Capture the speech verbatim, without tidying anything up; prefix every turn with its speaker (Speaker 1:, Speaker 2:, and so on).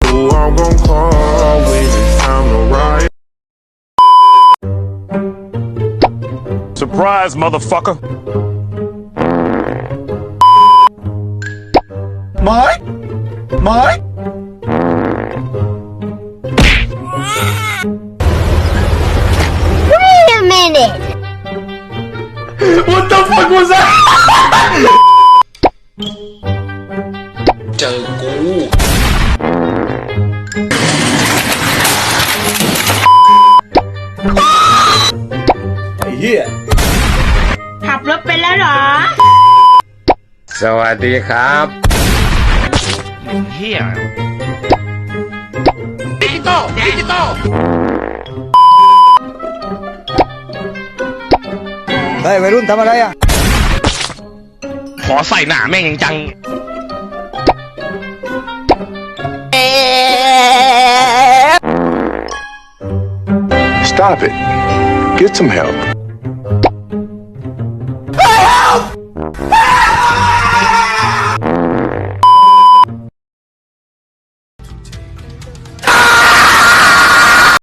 Speaker 1: who I'm gonna call when it's time to ride.
Speaker 2: Surprise, motherfucker.
Speaker 3: Mike? Mike?
Speaker 4: Wait a minute!
Speaker 3: What the fuck was that?
Speaker 5: เจอกู
Speaker 3: ไอ้เหี้ย
Speaker 4: ขับรถไปแล้วเหรอ
Speaker 5: สวัสดีครับ
Speaker 2: เฮีย
Speaker 5: ดิจิตอลดิจิตอล
Speaker 3: เฮ้ยวัยรุ่นทำอะไรอ่ะ
Speaker 2: ขอใส่หนาแม่งจัง
Speaker 1: Stop it. Get some help.